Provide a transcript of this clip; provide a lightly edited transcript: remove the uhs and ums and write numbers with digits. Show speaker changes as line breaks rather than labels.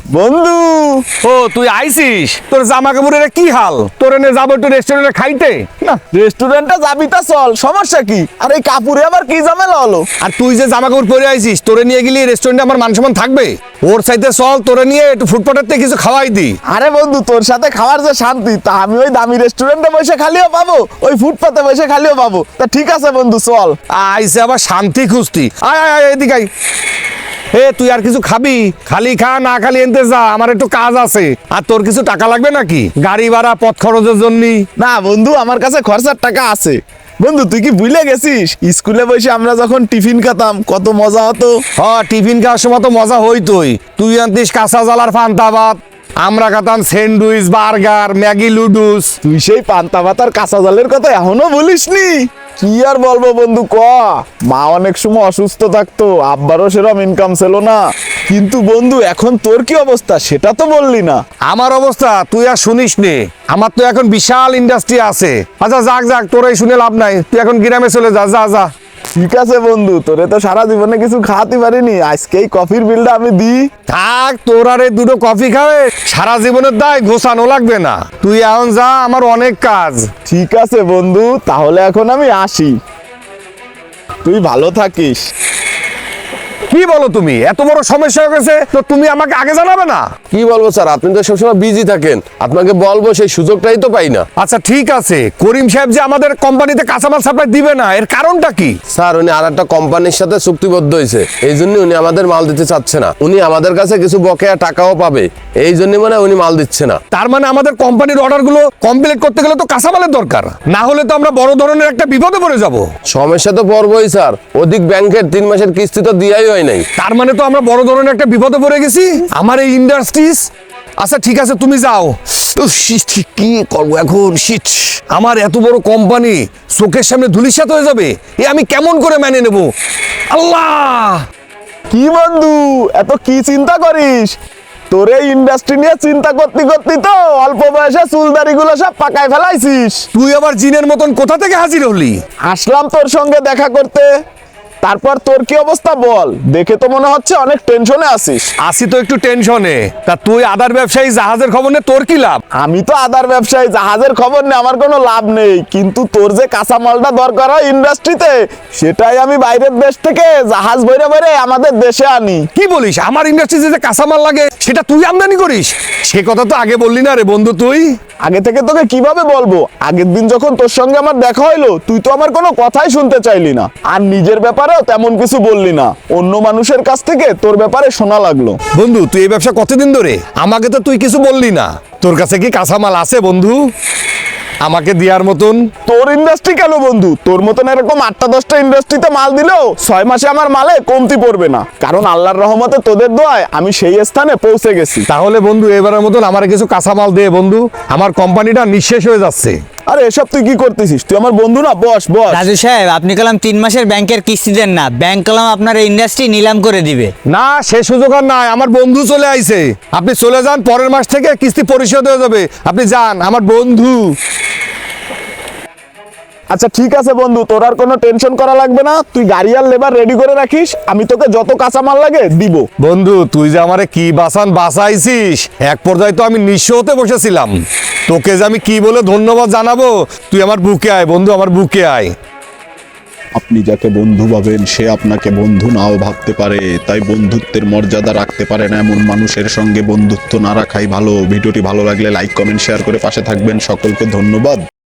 বন্ধু,
ও তুই আইছিস? তোর জামা কাপড়ের কি হাল? তোর এনে যাবো একটু রেস্টুরেন্টে খাইতে।
না রেস্টুরেন্টে যাবি তা চল, সমস্যা কি? আর এই কাপুরে আবার কি ঝামেলা হলো?
আর তুই যে জামা কাপড় পরে আইছিস, তোরে নিয়ে গেলি রেস্টুরেন্টে আমার মান সম্মান থাকবে? ওর সাইতে চল, তোরে নিয়ে একটু ফুটপাতের থেকে কিছু খাওয়াই দি।
আরে বন্ধু, তোর সাথে খাওয়ার যে শান্তি, তা আমি ওই দামি রেস্টুরেন্টে বসে খালিও পাবো, ওই ফুটপাতে বসে খালিও পাবো। তা ঠিক আছে বন্ধু, চল।
আইসে আবার শান্তি খুঁজতি। আয় আয় আয়, এদিকে আয়। এ তুই আর কিছু খাবি? খালি খা, না খালি এনতে যা, আমার একটু কাজ আছে। আর তোর কিছু টাকা লাগবে নাকি গাড়ি ভাড়া পথ খরচের জন্য?
না বন্ধু, আমার কাছে খরচার টাকা আছে। বন্ধু, তুই কি ভুলে গেছিস স্কুলে বসে আমরা যখন টিফিন খেতাম কত মজা হতো?
হ্যাঁ, টিফিন খাওয়ার সময় তো মজা হইতোই। তুই আনতিস কাঁচা জালার পান্তা ভাত, আমরা খেতাম স্যান্ডউইচ, বার্গার, ম্যাগি, লুডুস।
তুই সেই পান্তা ভাতার কাঁচা জলের কথা এখনো বলিসনি? কি আর বলবো বন্ধু, মা অনেক সময় অসুস্থ থাকতো, আব্বারও সেরকম ইনকাম ছিল না। কিন্তু বন্ধু, এখন তোর কি অবস্থা সেটা তো বললি না।
আমার অবস্থা তুই আর শুনিস নে। আমার তো এখন বিশাল ইন্ডাস্ট্রি আছে। আচ্ছা যাক যাক, তোরাই শুনে লাভ নাই, তুই এখন গ্রামে চলে যা, যা যা।
ঠিক আছে বন্ধু, তোরে তো সারা জীবনে কিছু খাওয়াতে পারিনি, আজকে এই কফির বিলটা আমি দিই।
থাক, তোর আর এই দুটো কফি খাবে সারা জীবনের দায় ঘোষানো লাগবে না। তুই এখন যা, আমার অনেক কাজ।
ঠিক আছে বন্ধু, তাহলে এখন আমি আসি। তুই ভালো থাকিস।
কি বলো তুমি? এত বড় সমস্যা হয়ে গেছে তো তুমি আমাকে আগে জানাবে না?
কি বলবো স্যার, আপনি তো সবসময় বিজি থাকেন, আপনাকে বলবো সেই সুযোগটাই তো পাই না।
আচ্ছা ঠিক আছে, করিম সাহেব যে আমাদের কোম্পানিতে কাঁচামাল সাপ্লাই দিবে না, এর কারণটা কি?
স্যার, উনি আর একটা কোম্পানির সাথে চুক্তিবদ্ধ হয়েছে, এই জন্য উনি আমাদের মাল দিতে চাচ্ছে না। উনি আমাদের কাছে কিছু বকেয়া টাকাও পাবে, এই জন্য মানে উনি মাল দিচ্ছে না।
তার মানে আমাদের কোম্পানির অর্ডারগুলো কমপ্লিট করতে গেলে তো কাঁচামালের দরকার, না হলে তো আমরা বড় ধরনের একটা বিপদে পড়ে যাব।
সমস্যা তো পড়বই স্যার, অধিক ব্যাংকের 3 মাসের কিস্তি তো দিয়াই হয় নাই।
তার মানে তো আমরা বড় ধরনের একটা বিপদে পড়ে গেছি, আমার এই ইন্ডাস্ট্রিজ। আচ্ছা ঠিক আছে, তুমি যাও। উফ, কি করবো এখন? শিট, আমার এত বড় কোম্পানি চোখের সামনে ধুলিসাৎ হয়ে যাবে, এ আমি কেমন করে মেনে নেব? আল্লাহ!
কি বন্ধু, এত কি চিন্তা করিস? তোর এই ইন্ডাস্ট্রি নিয়ে চিন্তা করতে করতে তো অল্প বয়সে চুলদারি গুলো সব পাকায় ফেলাইছিস।
তুই আবার জিনের মতন কোথা থেকে হাজির হলি?
আসলাম তোর সঙ্গে দেখা করতে। তারপর তোর কি অবস্থা বল? দেখে তো মনে হচ্ছে অনেক টেনশনে আছিস।
আসি তো একটু টেনশনে। তা তুই আদার ব্যবসায়ী জাহাজের খবর নে, তোর কি লাভ?
আমি তো আদার ব্যবসায়ী, জাহাজের খবর নেই, আমার কোনো লাভ নেই। কিন্তু তোর যে কাঁচামালটা দরকার হয় ইন্ডাস্ট্রিতে, সেটাই আমি বাইরের দেশ থেকে জাহাজ ভরে ভরে আমাদের দেশে আনি।
কি বলিস? আমার ইন্ডাস্ট্রিতে যে কাঁচামাল লাগে সেটা তুই আমদানি করিস? সে কথা তো আগে বললি না রে বন্ধু তুই।
আগে থেকে তোকে কিভাবে বলবো? আগের দিন যখন তোর সঙ্গে আমার দেখা হইলো, তুই তো আমার কোনো কথাই শুনতে চাইলি না, আর নিজের ব্যাপারেও তেমন কিছু বললি না। অন্য মানুষের কাছ থেকে তোর ব্যাপারে শোনা লাগলো।
বন্ধু, তুই এই ব্যবসা কতদিন ধরে? আমাকে তো তুই কিছু বললি না। তোর কাছে কি কাঁচামাল আছে বন্ধু আমাকে দেওয়ার মতন?
তোর ইন্ডাস্ট্রি কেন বন্ধু, তোর মতন এরকম 8টা-10টা ইন্ডাস্ট্রিতে মাল দিলেও 6 মাসে আমার মালে কমতি পড়বে না, কারণ আল্লাহর রহমতে তোদের দোয়ায় আমি সেই স্থানে পৌঁছে গেছি।
তাহলে বন্ধু এবারের মতন আমার কিছু কাঁচামাল দে বন্ধু, আমার কোম্পানিটা নিঃশেষ হয়ে যাচ্ছে।
আরে এসব তুই কি করতেছিস? তুই আমার বন্ধু না? বস বস।
রাজু সাহেব, আপনি কলাম 3 মাসের ব্যাংকের কিস্তি দেন না, ব্যাংক কলাম আপনার ইন্ডাস্ট্রি নিলাম করে দিবে।
না, সে সুযোগ আর নাই, আমার বন্ধু চলে আইছে। আপনি চলে যান, পরের মাস থেকে কিস্তি পরিশোধ হয়ে যাবে। আপনি যান, আমার বন্ধু।
আচ্ছা ঠিক আছে বন্ধু, তোর আর কোনো টেনশন করা লাগবে না। তুই গাড়ি আর লেবার রেডি করে রাখিস, আমি তোকে যত কাঁচামাল লাগে দিব।
বন্ধু, তুই যে আমারে কি বাঁচাইছিস, এক পর্যায়ে তো আমি নিঃস্ব হতে বসেছিলাম। তোকে যে আমি কি বলে ধন্যবাদ জানাবো, তুই আমার বুকে আয় বন্ধু, আমার বুকে আয়।
আপনি যাকে বন্ধু ভাবেন সে আপনাকে বন্ধু নাও ভাবতে পারে, তাই বন্ধুত্বের মর্যাদা রাখতে পারে না এমন মানুষের সঙ্গে বন্ধুত্ব না রাখাই ভালো। ভিডিওটি ভালো লাগলে লাইক, কমেন্ট, শেয়ার করে পাশে থাকবেন। সকলকে ধন্যবাদ।